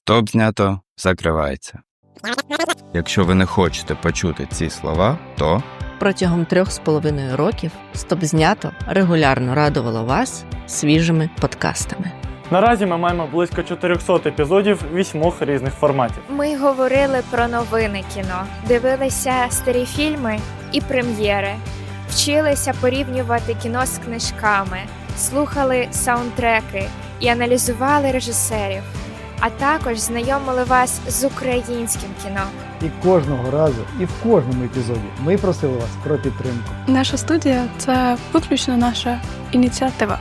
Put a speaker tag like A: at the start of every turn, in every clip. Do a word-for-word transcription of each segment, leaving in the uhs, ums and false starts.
A: Стоп знято закривається. Якщо ви не хочете почути ці слова, то
B: Протягом трьох з половиною років «Стоп знято» регулярно радувало вас свіжими подкастами.
C: Наразі ми маємо близько чотириста епізодів вісьмох різних форматів.
D: Ми говорили про новини кіно, дивилися старі фільми і прем'єри, вчилися порівнювати кіно з книжками, слухали саундтреки і аналізували режисерів, а також знайомили вас з українським кіно.
E: І кожного разу, і в кожному епізоді ми просили вас про підтримку.
F: Наша студія – це виключно наша ініціатива,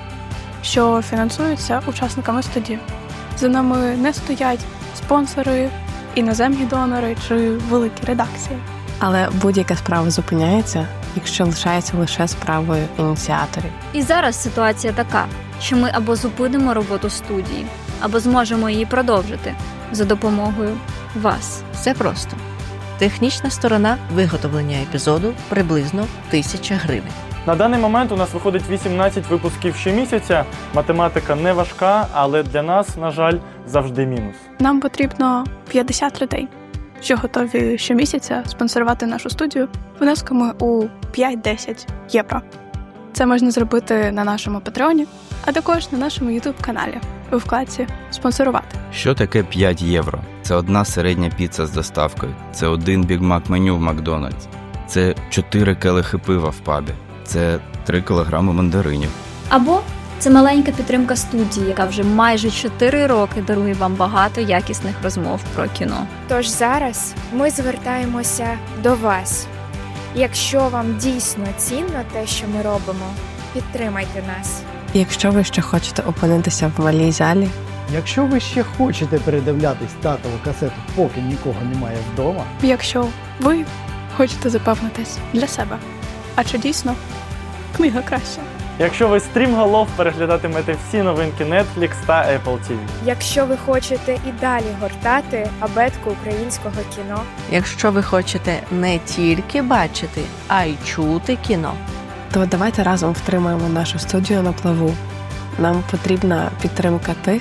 F: що фінансується учасниками студії. За нами не стоять спонсори, іноземні донори чи великі редакції.
G: Але будь-яка справа зупиняється, якщо лишається лише справою ініціаторів.
H: І зараз ситуація така, що ми або зупинимо роботу студії, або зможемо її продовжити за допомогою вас.
B: Все просто. Технічна сторона виготовлення епізоду приблизно тисяча гривень.
C: На даний момент у нас виходить вісімнадцять випусків щомісяця. Математика не важка, але для нас, на жаль, завжди мінус.
F: Нам потрібно п'ятдесят людей, що готові щомісяця спонсорувати нашу студію внесками у п'ять-десять євро. Це можна зробити на нашому Патреоні, а також на нашому ютуб-каналі у вкладці «Спонсорувати».
A: що таке п'ять євро? Це одна середня піца з доставкою, це один бігмак меню в Макдональдс, це чотири келихи пива в пабі, це три кілограми мандаринів.
H: Або це маленька підтримка студії, яка вже майже чотири роки дарує вам багато якісних розмов про кіно.
D: Тож зараз ми звертаємося до вас. Якщо вам дійсно цінно те, що ми робимо, підтримайте нас.
G: Якщо ви ще хочете опинитися в малій залі,
E: Якщо ви ще хочете передивлятись татову касету, поки нікого немає вдома,
F: Якщо ви хочете запевнитись для себе, а чи дійсно книга краща?
C: Якщо ви стрімголов переглядатимете всі новинки Netflix та Apple ті ві.
D: Якщо ви хочете і далі гортати абетку українського кіно,
B: Якщо ви хочете не тільки бачити, а й чути кіно,
G: то давайте разом втримаємо нашу студію на плаву. Нам потрібна підтримка тих,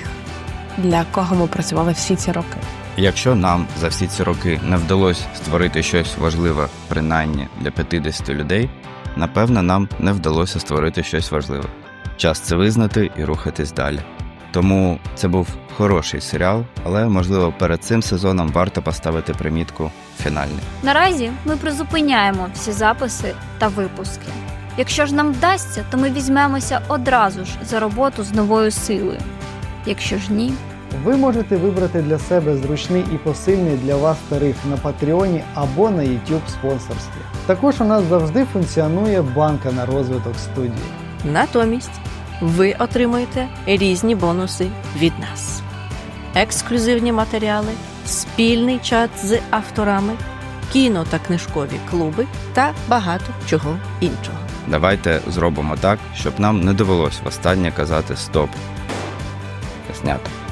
G: для кого ми працювали всі ці роки.
A: Якщо нам за всі ці роки не вдалося створити щось важливе, принаймні для п'ятдесят людей, напевно, нам не вдалося створити щось важливе. Час це визнати і рухатись далі. Тому це був хороший серіал, але, можливо, перед цим сезоном варто поставити примітку «фінальний».
H: Наразі ми призупиняємо всі записи та випуски. Якщо ж нам вдасться, то ми візьмемося одразу ж за роботу з новою силою. Якщо ж ні,
E: ви можете вибрати для себе зручний і посильний для вас тариф на Патреоні або на YouTube спонсорстві. Також у нас завжди функціонує банка на розвиток студії.
B: натомість ви отримуєте різні бонуси від нас. Ексклюзивні матеріали, спільний чат з авторами, кіно та книжкові клуби та багато чого іншого.
A: Давайте зробимо так, щоб нам не довелось востаннє казати «стоп». Знято.